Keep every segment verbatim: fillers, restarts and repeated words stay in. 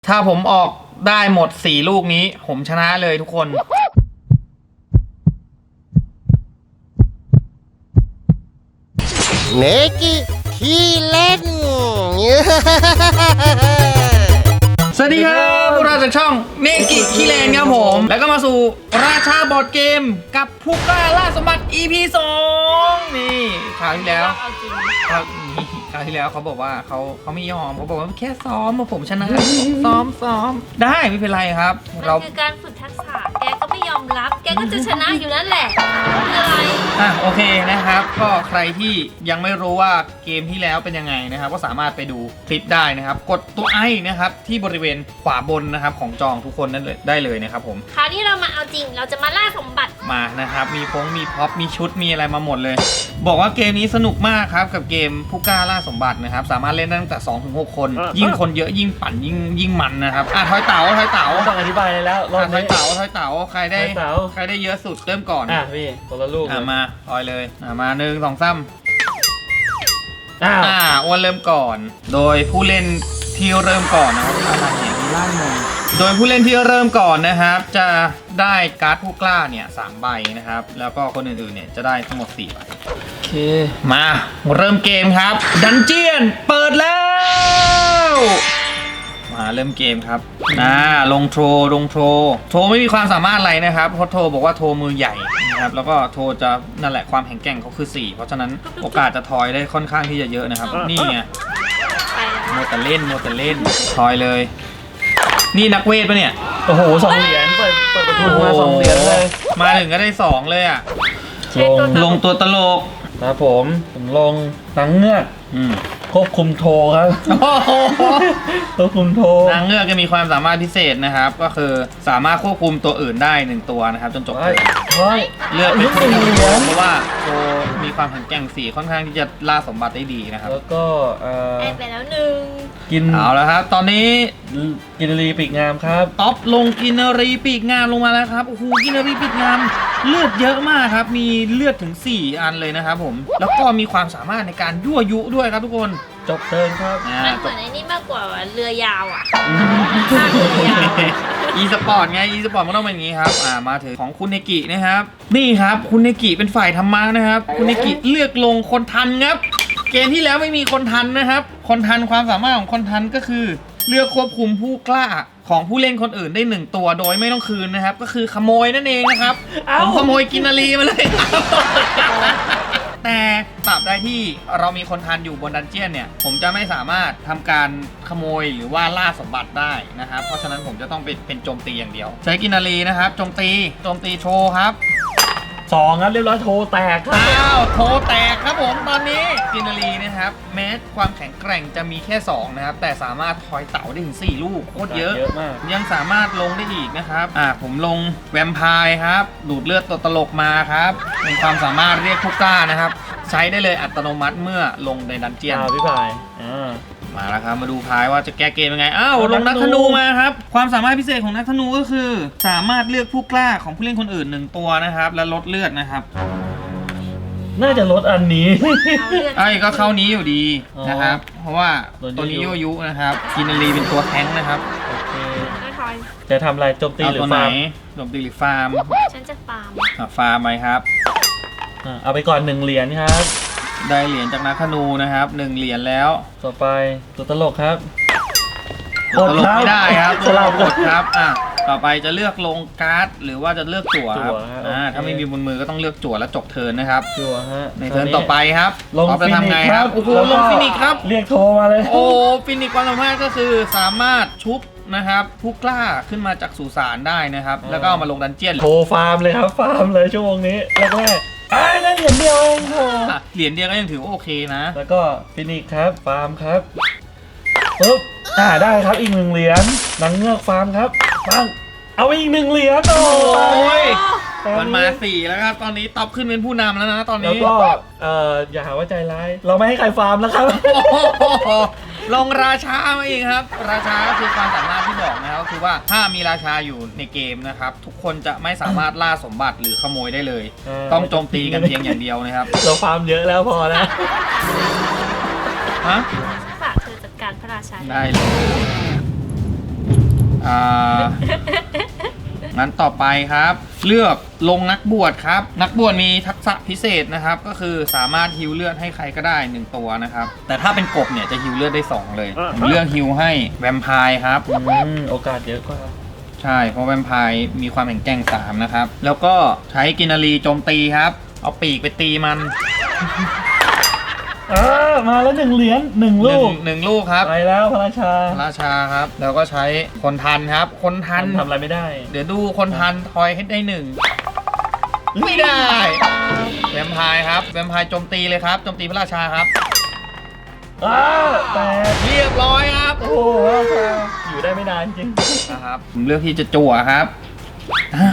ถ้าผมออกได้หมดสี่ลูกนี้ผมชนะเลยทุกคนเนกิขี้เล่นสวัสดีครับพวกเราจากช่องเนกิขี้เลนครับผมแล้วก็มาสู่ราชาบอร์ดเกมกับผู้กล้าล่าสมบัติ อี พี สองนี่คราวที่แล้วคราวนี้คราวที่แล้วเขาบอกว่าเขาเขาไม่ยอมเขาบอกว่าแค่ซ้อมมาผมชนะ ซ้อมซ้อมได้ไม่เป็นไรครับเรามันคือการฝึกทักษะแกก็ไม่ยอมรับ แกก็จะชนะอยู่นั่นแหละคืออะไรอ่ะโอเคนะครับก็ใครที่ยังไม่รู้ว่าเกมที่แล้วเป็นยังไงนะครับก็สามารถไปดูคลิปได้นะครับกดตัวไอนะครับที่บริเวณขวาบนนะครับของจองทุกคนนั่นเลยได้เลยนะครับผมคราวนี้เรามาเอาจริงเราจะมาล่าสมบัติมานะครับมีพงมีพ็อปมีชุดมีอะไรมาหมดเลย บอกว่าเกมนี้สนุกมากครับกับเกมผู้กล้าล่าสมบัตินะครับสามารถเล่นได้ตั้งแต่ สองถึงหก คน ยิ่งคนเยอะยิ่งปั่นยิ่งยิ่งมันนะครับอ่ะทอยเต๋าทอยเต๋าต้องอธิบายเลยแล้วรอบอ่ะทอยนี้เต๋าทอยเต๋าใครได้ทอยเต๋าใครได้เยอะสุดเริ่มก่อนอ่ะพี่คนละลูกอ่ะเลยมาทอยเลยอ่ะมาหนึ่งสองสามอ้าวอ่าอ้วนเริ่มก่อน โดยผู้เล่นที่เริ่มก่อนนะครับอะไรเนี่ยมีล่างมงโดยผู้เล่นที่เริ่มก่อนนะครับ จะได้การ์ดผู้กล้าเนี่ยสามใบนะครับ แล้วก็คนอื่นๆเนี่ยจะได้ทั้งหมดสี่ใบโอเคมาเริ่มเกมครับดันเจียนเปิดแล้ว มาเริ่มเกมครับอ่าลงโทรลงโทรโทรไม่มีความสามารถอะไรนะครับเพราะโทรบอกว่าโทรมือใหญ่นะครับแล้วก็โทรจะนั่นแหละความแข็งแกร่งเขาคือสี่เพราะฉะนั้นโอกาสจะทอยได้ค่อนข้างที่จะเยอะนะครับนี่ไงไปแล้วโมแต่เล่นโมแต่เล่นทอยเลย นี่นักเวทปะเนี่ยโอ้โหสองเหรียญเปิดเปิดประตูมาสองเหรียญเลยมาถึงก็ได้สองเลยอ่ะใช้ตัวลงตัวตลกครับผมผมลงหนังเงือกอืมควบคุมโทรครับโอ้โหควบคุมโทรนางเงือกจะมีความสามารถพิเศษนะครับ ก็คือสามารถควบคุมตัวอื่นได้หนึ่งตัวนะครับจนจบเฮ้ยเฮ้ยเลือกเป็นลูกตัวเหรียญเพราะว่าโชว์มีความแข็งแกร่งสีค่อนข้างที่จะล่าสมบัติได้ดีนะครับแล้วก็เอ่อได้ไปแล้วหนึ่งกินเอาแล้วครับ ตอนนี้กินรีปีกงามครับท็อปลงกินรีปีกงามลงมาแล้วครับโอ้โหกินรีปีกงามเลือดเยอะมากครับมีเลือดถึงสี่อันเลยนะครับผมแล้วก็มีความสามารถในการยั่วยุด้วยครับทุกคนจบเทิร์นครับอ่ามันเหมือนไอ้นี่มากกว่าเรือยาวอ่ะภาคเรือยาวอีสปอร์ตไงอีสปอร์ตมันต้องเป็นอย่างนี้ครับอ่ามาถึงของคุณเนกินะครับนี่ครับคุณเนกิเป็นฝ่ายธรรมะนะครับคุณเนกิเลือกลงคนทันครับเกมที่แล้วไม่มีคนทันนะครับคนทันความสามารถของคนทันก็คือ เลือกควบคุมผู้กล้าของผู้เล่นคนอื่นได้หนึ่งตัวโดยไม่ต้องคืนนะครับก็คือขโมยนั่นเองนะครับผมขโมยกินนารีมาเลยครับแต่ตราบใดที่เรามีคนทันอยู่บนดันเจียนเนี่ยผมจะไม่สามารถทำการขโมยหรือว่าล่าสมบัติได้นะครับเพราะฉะนั้นผมจะต้องเป็นเป็นโจมตีอย่างเดียวใช้กินนารีนะครับโจมตีโจมตีโชว์ครับสองครับเรียบร้อยโทรแตกครับอ้าวโทรแตกครับผมตอนนี้กินนารีนะครับแม้ความแข็งแกร่งจะมีแค่สองนะครับแต่สามารถทอยเต่าได้ถึงสี่ลูกโคตรเยอะเยอะมากยังสามารถลงได้อีกนะครับ อ่า ผมลงแวมไพร์ครับ ดูดเลือดตัวตลกมาครับ เป็นความสามารถเรียกผู้กล้านะครับ ใช้ได้เลยอัตโนมัติเมื่อลงในดันเจียนอ่าพี่พายอ่ามาแล้วครับ มาดูพายว่าจะแก้เกมยังไง อ้าว ลนังกนักธธนูนูมาครับ ความสามารถพิเศษของนักธนูก็คือ สามารถเลือกผู้กล้าของผู้เล่นคนอื่นหนึ่งตัวนะครับ และลดเลือดนะครับน่าจะลดอันนี้เอาเลือดไอ้ก็เข้านี้อยู่ดีนะครับ เพราะว่าโดนตัวนี้ยั่โยวยุยุนะครับกินนารีเป็นตัวแท้งค์นะครับโอเคก็ทอยจะทำอะไรโจมตีเอาหรือตัวไหนฟาร์มโจมตีหรือฟาร์มฉันจะฟาร์มอ่ะฟาร์มไหมครับอ่าเอาไปก่อนหนึ่งเหรียญครับได้เหรียญจากนักธนูนะครับหนึ่งเหรียญแล้วต่อไปตัวตลกครับตลกไม่ได้ครับสลับกดครับอ่ะต่อไปจะเลือกลงการ์ดหรือว่าจะเลือกจั่วครับจั่วฮะอ่าโอเคถ้าไม่มีบนมือก็ต้องเลือกจั่วแล้วจบเทิร์นนะครับจั่วฮะในเทิร์นต่อไปครับลงออฟจะฟินิทำกไงส์คครัรับบ โอ้โหแล้วลก็งฟินิกส์ครับเรียกโทรมาเลยโอ้ฟินิกส์ความสามารถก็คือสามารถชุบนะครับผู้กล้าขึ้นมาจากสุสานได้นะครับอ่าแล้วก็เอามาลงดันเจียนโทรฟาร์มเลยครับฟาร์มเลยชั่วโมงนี้แรกแรกๆอ้ายนั่นเหรียญเดียวเองโทรอ่ะเหรียญเดียวก็ยังถือว่าโอเคนะแล้วก็ฟินิกส์ครับฟาร์มครับปึ๊บอ่าได้ครับอีกหนึ่งเหรียญนางเงือกฟาร์มครับปังเอาไปอีกหนึ่งเหรียญโอ้โอ้ยตอนมันมาสี่แล้วครับ ตอนนี้ท็อปขึ้นเป็นผู้นำแล้วนะตอนแล้วนี้ก็เอ่ออย่าหาว่าใจร้ายเราไม่ให้ใครฟาร์มแล้วครับโอ้โหลงราชามาอีกครับ ราชาก็คือความสามารถที่บอกนะครับก็คือว่าถ้ามีราชาอยู่ในเกมนะครับ ทุกคนจะไม่สามารถล่าสมบัติหรือขโมยได้เลยเออต้องโจมตีกันเพียงอย่างเดียวนะครับเราฟาร์มเยอะแล้วพอแล้วฮะฝากเธอจัดการพระราชาได้เลยอ่างั้นต่อไปครับ เลือกลงนักบวชครับ นักบวชมีทักษะพิเศษนะครับ ก็คือสามารถฮิวเลือดให้ใครก็ได้หนึ่งตัวนะครับ แต่ถ้าเป็นกบเนี่ยจะฮิวเลือดได้สองเลยผมเลือกฮิวให้แวมไพร์ครับอืมโอกาสเยอะกว่าใช่เพราะแวมไพร์มีความแข็งแกร่งสามนะครับ แล้วก็ใช้กินนารีโจมตีครับ เอาปีกไปตีมันอ่ามาแล้วหนึ่งเหรียญหนึ่งหลูนึ่งกหนึ่งลูกครับไปแล้วพระราชาราชาครับ แล้วก็ใช้คนทันครับ คนทันทำอะไรไม่ได้เดี๋ยวดูคนทันทอยให้ได้หนึ่งไม่ได้แวมไพร์ครับแวมไพร์โจมตีเลยครับโจมตีพระราชาครับอ้าวแตกเรียบร้อยครับโอ้โหพระราชาอยู่ได้ไม่นานจริงนะครับผมเลือกที่จะจั่วครับอ้าว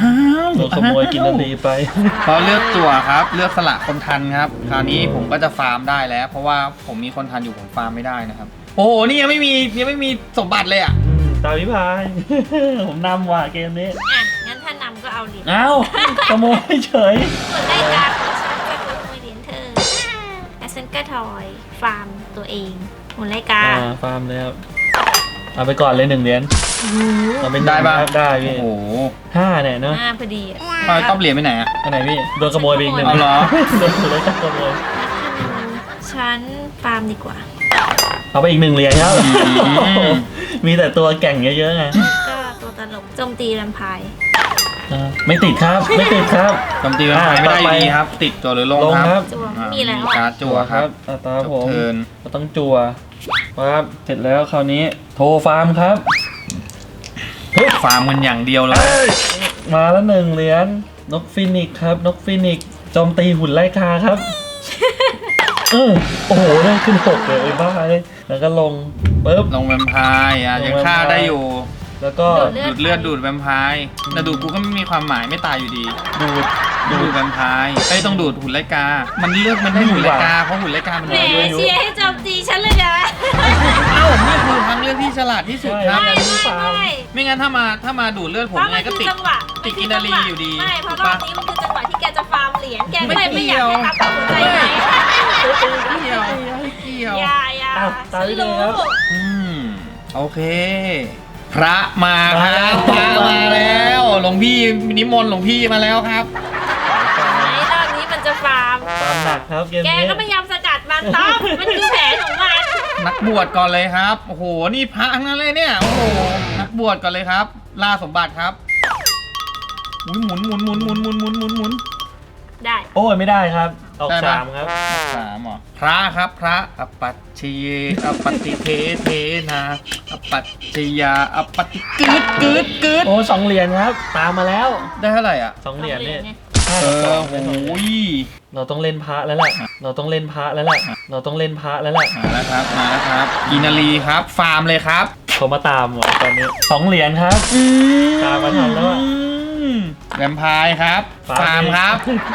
โดนขโมยกินนารีไปพอเลือกจั่วครับ เลือกสละคนทันครับคราวนี้ผมก็จะฟาร์มได้แล้ว เพราะว่าผมมีคนทันอยู่ผมฟาร์มไม่ได้นะครับ โอ้โหนี่ยังไม่มียังไม่มีสมบัติเลยอ่ะอืมตาพิพาย ผมนำว่ะเกมนี้อ่ะ งั้นถ้านำก็เอาเหรียญเอ้าขโมยเฉยส่วนได้การของฉันก็คือขโมยเหรียญเธอและฉันก็ถอยฟาร์มตัวเองหุ่นไล่กาอ่าฟาร์มเลยครับเอาไปก่อนเลยหนึ่งเหรียญเอาเป็นได้ปะได้โอ้พี่โหห้าเนี่ยเนาะอ่าพอดีอ่ะทอยต้องเหรียญไปไหนอ่ะอันไหนพี่โดนขโมยไปอีกหนึ่งเอาเหรอโดนเลยขโมยฉันฟาร์มดีกว่าเอาไปอีกหนึ่งเหรียญครับมมีแต่ตัวแก่งเยอะๆไงก็ตัวตลกโจมตีแวมไพร์อ่าไม่ติดครับไม่ติดครับโจมตีแวมไพร์ไม่ได้อยู่ดีครับ ติดจั่วหรือลงลงคครัรับบจัวอ่ามีแล้วการ์ดจั่วครับอ่าตาจผบมเทิร์นก็ต้องจั่วครับเสร็จแล้วคราวนี้โทรฟาร์มครับฟาร์มกันอย่างเดียวเลยมาแล้วหนึ่งเหรียญนกฟินิกซ์ครับ นกฟินิกซ์โจมตีหุ่นไล่กาครับ เออโอ้โหได้ขึ้นหกเลยไอ้บ้าเลยแล้วก็ลงปุ๊บลงแวมไพร์อ่ะลงยังแวมไพร์ฆ่าได้อยู่แล้วก็ดูดเลือดดูดแวมไพร์แต่ดูดกูก็ไม่มีความหมายไม่ตายอยู่ดีดูดดูดูดดแวมไพร์ไอ้ยต้องดูดหุ่นไลกา มันเลือกมันได้หุ่นไลกาเพราะหุ่นไลกามันแหมน้อยด้วยเชียร์ให้โจมตีฉันเลยนะเอ้านี่คือทางเลือกที่ฉลาดที่สุดครับไม่ไม่ไม่ไม่งั้นถ้ามาถ้ามาดูดเลือดเพผมราะยังมัไงนก็คือติดจังหวะติดกินนารีอยู่ดีไม่เพราะถูกรอปะบนี้มันคือจังหวะที่แกจะฟาร์มเหรียญแกก็เลยไม่ไม่เกี่อยากยวให้ทับกับหัวใจไหนเกี่ยวไม่เกี่ยวอย่าอย่าอ้าวตายไปเลยครับอืมโอเค พระมาครับพระมาแล้วหลวงพี่นิมนต์หลวงพี่มาแล้วครับไหนรอบนี้มันจะฟาร์มฟาร์มหนักครับเกมแกนี้ก็พยายามสกัดมันต๊อบมันคือแผนของมันนักบวชก่อนเลยครับโอ้โหนี่พระทั้งนั้นเลยเนี่ยโอ้โหนักบวชก่อนเลยครับ ล่าสมบัติครับอุ๊ยหมุนหมุนหมุนหมุนหมุนหมุนหมุนหมุนได้โอ้ยไม่ได้ครับออกได้ปะสามครับสามเหรอพระครับพระอปัจฉิเยอปฏิเทเทนาอปัจจยาอปฏิกึดกึดกึดโอ้สองเหรียญครับ ตามมาแล้วได้เท่าไหร่อ่ะสองเหรียญเนี่ยไงห้าเอต่อสอองโหเป็นสองเหรียญยเราต้องเล่นพระแล้วแหละเราต้องเล่นพระแล้วแหละเราต้องเล่นพระแล้วแหละมาแล้วครับมาแล้วครับกินารีครับ ฟาร์มเลยครับเขามาตามว่ะตอนนี้สองเหรียญครับ ตามมาทันแล้วอะอืมแวมไพร์ครับ ฟาร์มครับ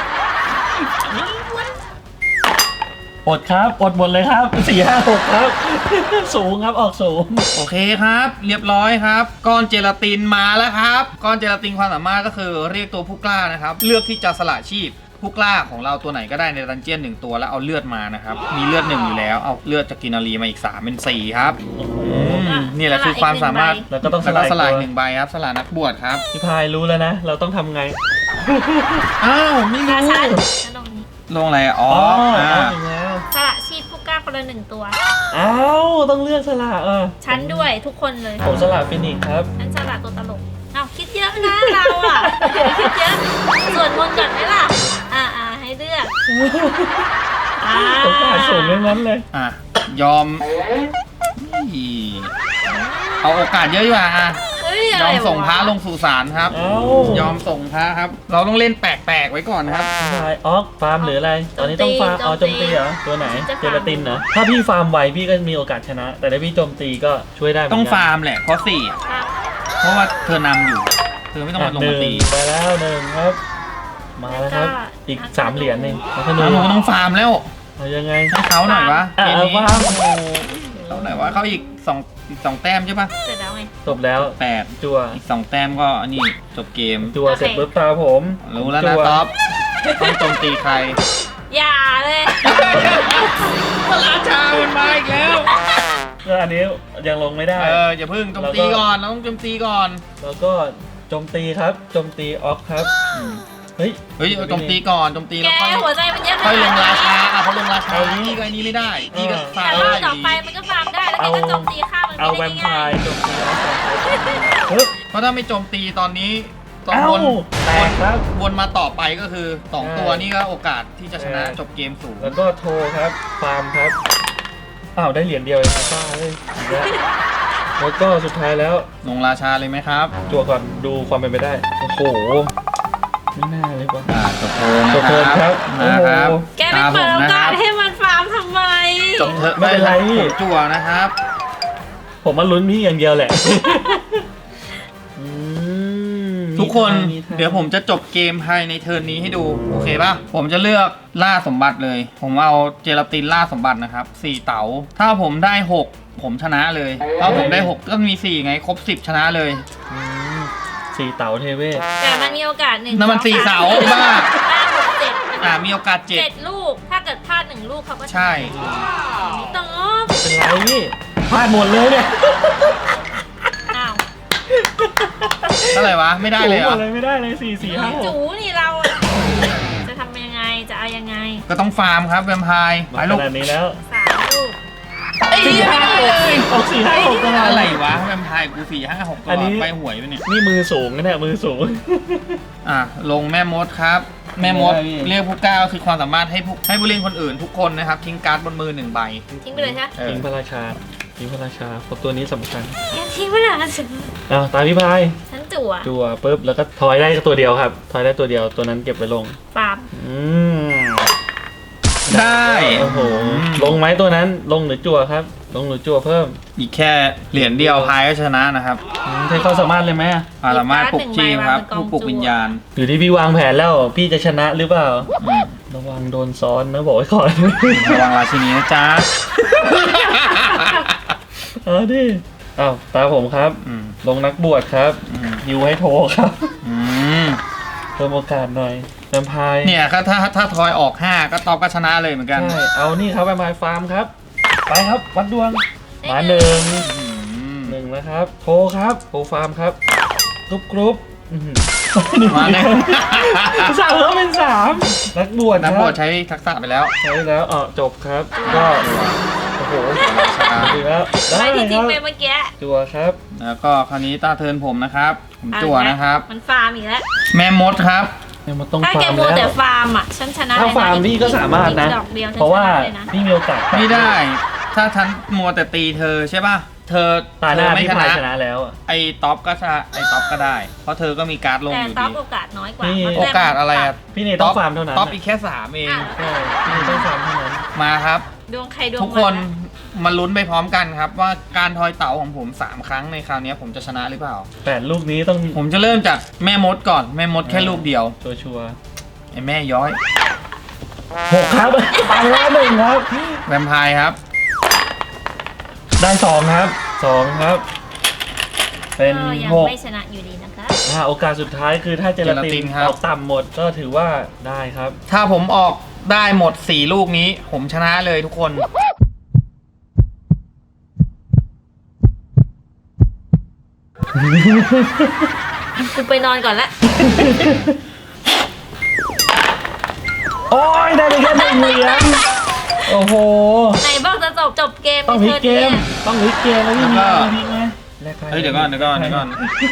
อดครับอดหมดเลยครับสี่ห้าหกครับ สูงครับออกสูงโอเคครับ เรียบร้อยครับก้อนเจลาตินมาแล้วครับก้อนเจลาตินความสามารถก็คือเรียกตัวผู้กล้านะครับ เลือกที่จะสละชีพผู้กล้าของเราตัวไหนก็ได้ในดันเจี้ยนหนึ่งตัวแล้วเอาเลือดมานะครับมีเลือดหนึ่งอยู่แล้วเอาเลือดจากกินารีมาอีกสามเป็นสี่ครับอืมนี่แหละคือความสามารถแล้วก็ต้องสแล้วลาก็ยสลายตัวหนึ่งใบครับสลายนักบวชครับพี่พายรู้แล้วนะ เราต้องทำไงอ้าวไม่รารู้ชันนั่นตรงนี้ลงอะไรอ่ะอ๋ออ๋ออ่าถึงแล้วสละชีพผู้กล้าคนละหนึ่งตัวอ้าวต้องเลือกสละเออฉันด้วยทุกคนเลยผมสละฟินิกซ์ครับฉันสละตัวตลกเอาคิดเยอะนะเราอ่ะคิดเยอะส่วนมนต์ก่อนไหมล่ะ อ่าอ่าให้เลือกอ่าโอกาสสูงทั้งนั้นเลยอ่ะยอมอีเอาโอกาสเยอะดีกว่าอ่ะเฮ้ยยอะไรอมวส่งพระลงสู่ศาลครับเอ้ายอมส่งพระครับ เราต้องเล่นแปลกๆไว้ก่อนนะครับพี่พายออกฟาร์มหรืออะไร ตอนนี้ต้องฟาร์มอ๋อโจมตีเหรอตัวไหนเจลาตินเหรอถ้าพี่ฟาร์มไวพี่ก็มีโอกาสชนะ แต่ถ้าพี่โจมตีก็ช่วยได้เหมืนต้กัอน งฟาร์มแหละเพราะสี่อ่ะครับเพราะว่าเธอนำอยู่ เธอไม่ต้องอ่ะมาลงหมานึ่งตีไปแล้วหนึ่งครับ มาแล้วครับ อีกสามเหรียญเองแล้วก็หแล้นึ่วงหนูก็ต้องฟาร์มแล้วเอายังไงให้เขาหน่อยวะอ่ะเกมเอานี้ฟาร์มโอ้โหเขาหน่อยวะเขาอีกสองอีกสองแต้มใช่ปะเสร็จแล้วไงจบแล้วแปดจั่วอีกสองแต้มก็อันนี้จบเกมจั่วเสร็จปุ๊บตาผมรู้แล้วนะจั่ท็อปต้องโจมตีใครอย่าเลยพระราชามันมาอีกแล้วก็อันนี้ยังลงไม่ได้เอออย่าเพิ่งโจมตีก่อนเราต้องโจมตีก่อนแล้วก็โจมตีครับโจมตีออฟครับเฮ้ยเฮ้ยเอาโจมตีก่อนโจมตีแกแล้วค่อยหัวใจมันเยอะขค่อยลนาดงนั้ราน ชาอ่ะพอลงราชานี่ก็ไอ้นี่ไม่ได้นี่ก็ฟาแต่ร์มรอบได้อต่อยู่ ไปดีมันก็ฟาร์มได้แล้วแกก็โจมตีข้ามมันเอาไม่แวได้มไพง่ายร์โจมตีออฟปึ๊บเพราะถ้าไม่โจมตีตอนนี้ตอนเอ้าวนแตกครับวนมาต่อไปก็คือสองใช่ตัวนี่ก็โอกาสที่จะชนะใช่จบเกมสูงแล้วก็โทรครับฟาร์มครับอ้าวได้เหรียญเดียวเองป้าเลยอีกแล้วแล้วก็สุดท้ายแล้วลงราชาเลยไหมครับจั่วก่อนดูความเป็นไปได้โอ้โหไม่น่าเลยว่ะอ่าจบเทิร์นจบเทิร์นครับนะครับโอ้โหแกไม่เปิดโอกาสให้มันฟาร์มทำไมจบเทิร์นไม่เป็นไรผมจั่วนะครับผมมาลุ้นพี่อย่างเดียวแหละอืมทุกคนมีทางเดี๋ยวผมจะจบเกมภายในเทิร์นนี้ให้ดูโอเคป่ะผมจะเลือกล่าสมบัติเลย ผมเอาเจลาตินล่าสมบัตินะครับสี่เต๋าถ้าผมได้หกผมชนะเลยถ้าผมได้หกก็มีสี่ไงครบสิบชนะเลยอืมสี่เต๋าเทเวศแต่มันมีโอกาสหนึ่งนั่นมันสี่เสาบ้าห้าหกเจ็ดอ่ามีโอกาสเจ็ดเจ็ดลูก ถ้าเกิดพลาดหนึ่งลูกเขาก็ใช่ไม่ต้องเป็นไรพี่พลาดหมดเลยเนี่ยอ้าวเท่าไหร่วะไม่ได้เลยเหรหมอดเลยไม่ได้เลยสี่สี่ห้าหกจูนี่เราอะจะทำยังไงจะเอายังไงก็ต้องฟาร์มครับแวมไพร์ไปมาลูขกนาดนี้แล้วสามลูกสี่ห้าหกออกสี่ห้าหกตลอดอะไรวะแวมไพร์กูสี่ห้าหกตอัลนอนี้ดไปหวยไปเนี่ยนี่มือสูงนะเนี่ยมือสูงอ่ะลงแม่มดครับ แม่มดไม่ได้พี่เรียกผู้กล้าก็คือความสามารถให้ผู้ให้ผู้เล่นคนอื่นทุกคนนะครับทิ้งการ์ดบนมือหนึ่งใบทิ้งไปเลยใช่ไหมเออทิ้งพระราชาทิ้งพระราชาเพราะตัวนี้สำคัญแกทิ้งไปเลยฉันอ้าวตามพี่พายฉันจั่วจั่วปุ๊บแล้วก็ทอยได้ตัวเดียวครับทอยได้ตัวเดียวตัวนั้นเก็บไว้ลงฟาร์มอืมได้โอ้โหลงไหมตัวนั้นลงหรือจั่วครับ ลงหรือจั่วเพิ่มอีกแค่เหรียญเดียวพายก็ชนะนะครับอืมใช้ความสามารถเลยไหมอ่ะสามารถปลุกชีพครับผู้ปลุกวิญญาณอยู่ที่พี่วางแผนแล้วพี่จะชนะหรือเปล่าอืมระวังโดนซ้อนนะบอกไว้ก่อนระวังราชินีนะจ๊ะเอาดิอ้าวตาผมครับอืมลงนักบวชครับอืมยูให้โทรครับอืมเพิ่มโอกาสหน่อยแวมไพร์เนี่ยครับถ้าถ้าทอยออกห้าก็ตอบก็ชนะเลยเหมือนกันใช่เอานี่ครับแวมไพร์ฟาร์มครับ ไปครับวัดดวงมาหนึ่งอืมหนึ่งนะครับ โทรครับโทรฟาร์มครับกรุ๊ปกรุ๊ปอื้อหือมาเลยสามแล้วเป็นสามนักบวชคนัรักบบวชใช้ทักษะไปแล้วใช้แล้วอ๋อจบครับ ก็โอ้โหดีแล้วได้ไม่ที่คทิ้รังบไปเมื่อกี้จัวครับแล้วก็คราวนี้ตาเทิร์นผมนะครับ ผมจั่วนะครับมันฟาร์มอีกแล้วแม่มดครับเนี่ยมันต้องถ้าฟาแกร์มมัวแล้แต่วฟาร์มอ่ะ ฉันชนะถ้าเลยนะฟาร์มพี่ก็สามารถนะดอกเดียวฉันเพราะว่าชนะเลยนะพี่มีโอกาสไม่ได้ ถ้าฉันมัวแต่ตีเธอใช่ป่ะ เธอตาหเธน้าอไม่พี่ชพายนะชนะแล้วอะไอ้ท็อปก็ชนะไอ้ท็อปก็ได้ เพราะเธอก็มีการ์ดลงแต่อยู่ต๊อดีปโอกาสน้อยกว่านี่มันโอกาสอะไรอ่ะพี่เนยต้องฟาร์มเท่านั้นท็อปอะอีกแค่สามเองอ้าวใช่พี่เนยต้องฟาร์มเท่านั้นมาครับดวงใครดวงทุกคนมาลุ้นไปพร้อมกันครับ ว่าการทอยเต๋าของผมสามครั้งในคราวนี้ผมจะชนะหรือเปล่าแปดลูกนี้ต้องผมจะเริ่มจากแม่มดก่อน แม่มดแค่ลูกเดียวชัวชัวร์ไอ้แม่ย้อยๆหกครับ ไปแล้วหนึ่งครับแวมไพร์ครับได้สองครับสองครับ เป็นก็ยังหกไม่ชนะอยู่ดีนะคะอ่าโอกาสสุดท้ายคือถ้าเจลาเจลาติตินนครับออกต่ำหมดก็ถือว่าได้ครับถ้าผมออกได้หมดสี่ลูกนี้ ผมชนะเลยทุกคนกูไปนอนก่อนละโอ้ยได้ไปแค่หนึ่งเหรียญโอ้โหไหนบอกจะจบจบเกมต้องพลิกเกมนี่ยต้องพลิกเกมแล้วพี่มีแล้วก็พลิกไหมแลกไปเฮ้ยเดี๋ยวก่อนเดี๋ยวก่อนเดี๋ยวก่อน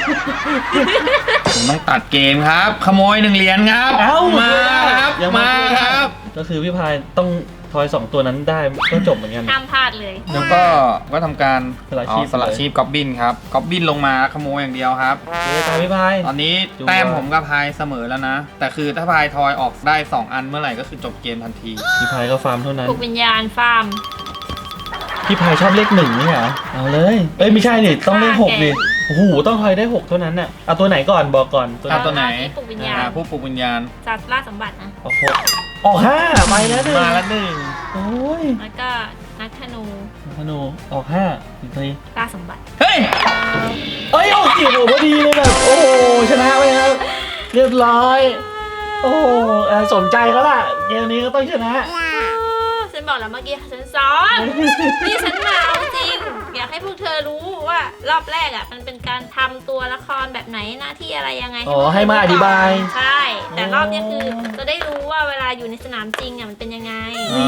ผมต้องตัดเกมครับ ขโมยหนึ่งเหรียญครับเอ้ามาครับยังมาครับก็คือพี่พายต้องทอยสองตัวนั้นได้ก็จบเหมือนกันห้ามพลาดเลยแล้วก็ก็ทำการสละชีพอ๋อสละชีพก๊อบบินครับก๊อบบินลงมาขโมยอย่างเดียวครับเฮ้ยตามพี่พายตอนนี้ดูแต้มผมกับพายเสมอแล้วนะ แต่คือถ้าพายทอยออกได้สองอันเมื่อไหร่ก็คือจบเกมทันทีพี่พายก็ฟาร์มเท่านั้นปลุกวิญญาณฟาร์มพี่พายชอบเลขหนึ่งนี่เหรอเอาเลยเอ้ยไม่ใช่ดิต้องเลขหกดิโอ้โหต้องทอยได้หกเท่านั้นน่ะเอาตัวไหนก่อนบอกก่อนตัวไหนเอาตัวไหนปลุกวิญญาณอ่าผู้ปลุกวิญญาณจัดล่าสมบัตินะออกหกออกห้าไปแล้วหนึ่งมาแล้วหนึ่งโอ้ยแล้วก็นักธนูธนูออกห้าอีกทีล่าสมบัติเฮ้ยเอ้ยออกสี่โอ้พอดีเลยแบบโอ้โหชนะไปครับเรียบร้อย โอ้โหเอ่อสมใจเขาล่ะเกมนี้ก็ต้องชนะฉันบอกแล้วเมื่อกี้ฉันซ้อมนี่ฉันมาเอาจริงให้พวกเธอรู้ว่ารอบแรกอ่ะมันเป็นการทำตัวละครแบบไหนหน้าที่อะไรยังไงอ๋อให้มาอธิบายใช่ แต่รอบเนี้ยคือจะได้รู้ว่าเวลาอยู่ในสนามจริงอ่ะมันเป็นยังไง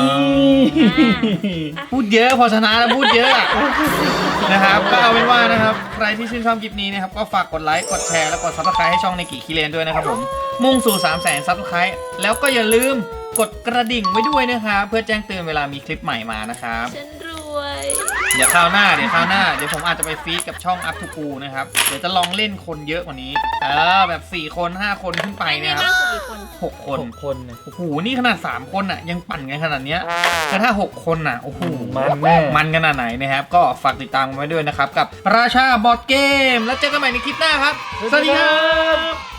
พูดเยอะพอชนะแล้วพูดเยอะอะนะครับก็เอาเป็นว่านะครับใครที่ชื่นชอบคลิปนี้นะครับก็ฝากกดไลค์กดแชร์และกดซับสไครต์ให้ช่องในกิคิเลนด้วยนะครับผมมุ่งสู่3 0 0 0 0 0ซับสไครต์แล้วก็อย่าลืมกดกระดิ่งไว้ด้วยนะครับเพื่อแจ้งเตือนเวลามีคลิปใหม่มานะครับฉันรวยเดี๋ยวคราวหน้าเดี๋ยวคราวหน้าเดี๋ยวผมอาจจะไปฟีดกับช่อง Up to Cool นะครับเดี๋ยวจะลองเล่นคนเยอะกว่านี้เออแบบสี่คนห้าคนขึ้นไปไม่เนี่ยคมารับกสุดกี่คนหกคนหกคนเนี่ยโอ้โหนี่ขนาดสามคนอ่ะยังปั่นกันขนาดเนี้ยแต่ถ้าหกคนอ่ะโอ้โหมันแน่มันขนาดไหนนะครับก็ฝากติดตามไว้ด้วยนะครับกับราชาบอร์ดเกมแล้วเจอกันใหม่ในคลิปหน้าครับสวัสดีครับ